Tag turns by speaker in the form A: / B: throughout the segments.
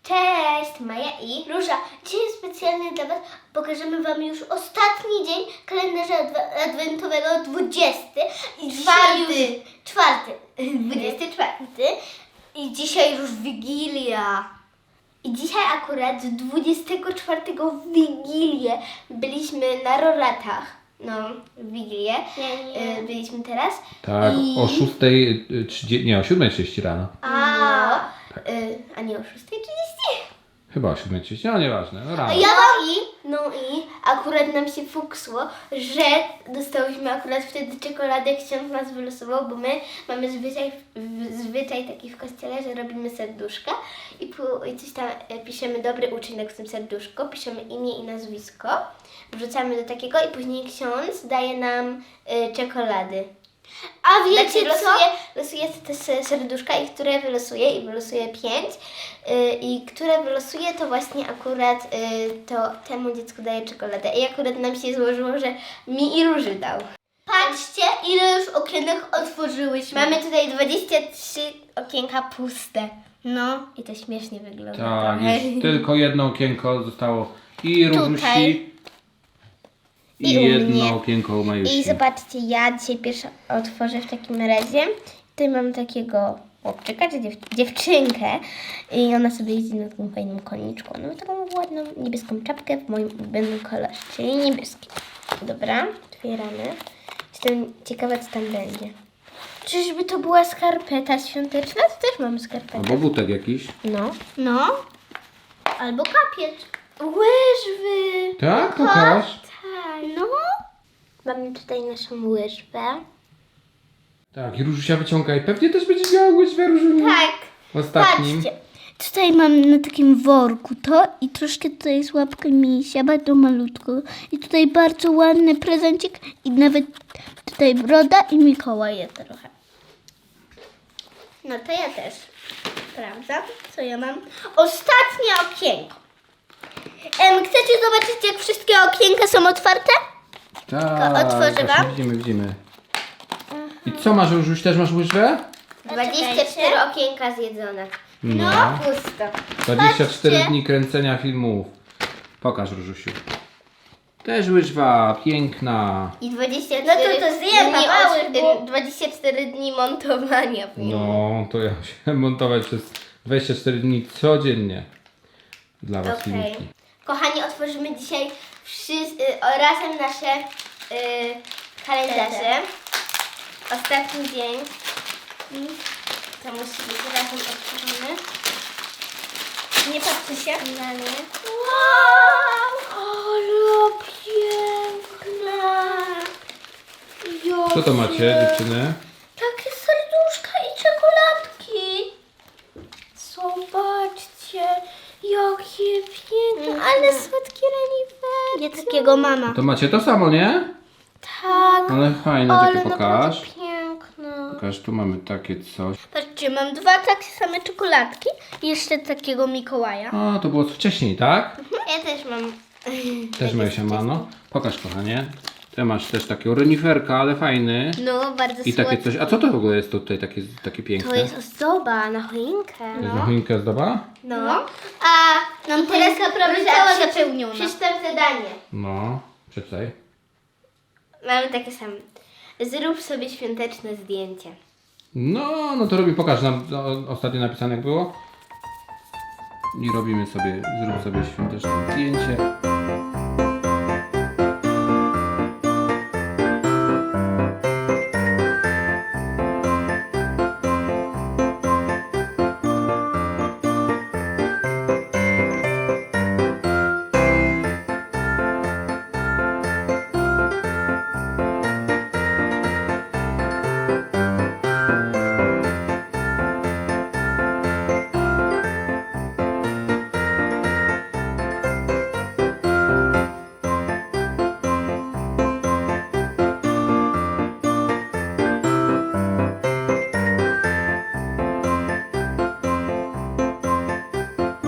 A: Cześć, Maja i Róża. Dzisiaj specjalnie dla Was pokażemy Wam już ostatni dzień kalendarza adwentowego, 20. I dzisiaj czwarty. 24. I dzisiaj już Wigilia. I dzisiaj akurat 24 w Wigilię byliśmy na Roratach. No, w Wigilię. Byliśmy teraz.
B: Tak,
A: I...
B: o 6:30, nie, o 7:30 rano.
A: A nie o 6:30?
B: Chyba o 7:30, no nieważne, no rano.
A: No i akurat nam się fuksło, że dostałyśmy akurat wtedy czekoladę, ksiądz nas wylosował, bo my mamy zwyczaj taki w kościele, że robimy serduszka i coś tam piszemy dobry uczynek w tym serduszku, piszemy imię i nazwisko, wrzucamy do takiego i później ksiądz daje nam czekolady. A wiecie co? Losuję te serduszka i które wylosuję i wylosuję 5 i które wylosuję to właśnie akurat to temu dziecku daję czekoladę i akurat nam się złożyło, że mi i Róży dał. Patrzcie, ile już okienek otworzyłyśmy. Mamy tutaj 23 okienka puste. No i to śmiesznie wygląda.
B: Tak,
A: trochę.
B: już tylko jedno okienko zostało i Różusi
A: Tutaj.
B: i
A: u
B: jedno
A: mnie.
B: okienko u Majusi.
A: I zobaczcie, ja dzisiaj pierwsze otworzę w takim razie. Tutaj mam takiego chłopczyka, czy dziewczynkę i ona sobie jeździ na takim fajnym koniczku. Ona ma taką ładną niebieską czapkę w moim ulubionym kolorze, czyli niebieski. Dobra, otwieramy. Jestem ciekawa, co tam będzie. Czyżby to była skarpeta świąteczna? To też mamy skarpetę.
B: Albo butek jakiś.
A: No. Albo kapiec. Łyżwy.
B: Tak, pokaż.
A: Tak. No. Mamy tutaj naszą łyżwę.
B: Tak, i Różusia wyciąga i pewnie też będzie miała łyżwę Różuniu.
A: Tak.
B: W ostatnim.
A: Patrzcie. Tutaj mam na takim worku to i troszkę tutaj jest łapka misia, bardzo malutko. I tutaj bardzo ładny prezencik i nawet tutaj broda i Mikołaj trochę. No to ja też. Sprawdzam, co ja mam. Ostatnie okienko. Chcecie zobaczyć, jak wszystkie okienka są otwarte?
B: Tak,
A: otworzę
B: właśnie
A: wam.
B: widzimy. I co masz, Różuś? Też masz łyżwę?
A: 24 okienka zjedzone.
B: No.
A: Pusto.
B: 24
A: Patrzcie.
B: dni kręcenia filmów. Pokaż, Różusiu. Też łyżwa, piękna.
A: I 24 no to zjem, dni 24 dni montowania filmu.
B: No, to ja musiałem montować przez 24 dni codziennie dla was filmiki.
A: Kochani, otworzymy dzisiaj razem nasze kalendarze. Ostatni dzień. To musi być razem otworzone. Nie patrzy się na nie. Wow! Ale piękna!
B: Co to macie, dziewczyny?
A: Takie serduszka i czekoladki. Zobaczcie, jakie piękne, ale słodkie reniferki. Ja takiego mama.
B: To macie to samo, nie?
A: Tak,
B: Ale fajne,
A: ale
B: tylko
A: naprawdę
B: pokaż.
A: piękne.
B: Pokaż, tu mamy takie coś.
A: Patrzcie, mam 2 takie same czekoladki i jeszcze takiego Mikołaja.
B: A, to było wcześniej, tak?
A: Ja też mam.
B: Też Majusia ma, no. Pokaż, kochanie. Ty masz też takiego reniferka, ale fajny.
A: No, bardzo
B: I takie coś. A co to w ogóle jest tutaj takie piękne?
A: To jest ozdoba na choinkę.
B: To jest na choinkę zdoba?
A: No. A nam teraz naprawdę cała zapełniona. Przeczytam zadanie.
B: No, przeczytaj.
A: Mamy takie same. Zrób sobie świąteczne zdjęcie.
B: No to pokaż nam ostatnio napisane jak było. I robimy sobie, zrób sobie świąteczne zdjęcie.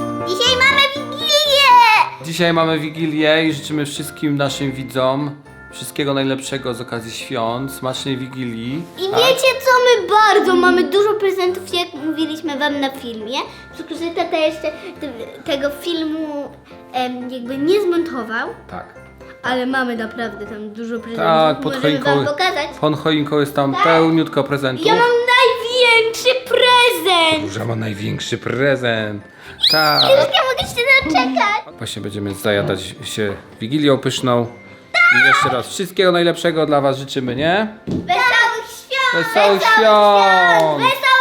B: Dzisiaj mamy Wigilię i życzymy wszystkim naszym widzom Wszystkiego najlepszego z okazji świąt, smacznej Wigilii.
A: I wiecie co, my bardzo mamy dużo prezentów, jak mówiliśmy wam na filmie. Tylko, że tata jeszcze tego filmu jakby nie zmontował,
B: Tak.
A: ale mamy naprawdę tam dużo prezentów.
B: Tak, pod
A: Możemy
B: choinką.
A: wam pokazać.
B: Pod choinką jest tam pełniutko prezentów.
A: Ja mam największy prezent!
B: Róża ma największy prezent. Tak.
A: Już nie mogę się doczekać.
B: Właśnie będziemy zajadać się Wigilią pyszną. I jeszcze raz wszystkiego najlepszego dla was życzymy, nie?
A: Wesołych świąt!
B: Wesołych świąt!
A: Wesołych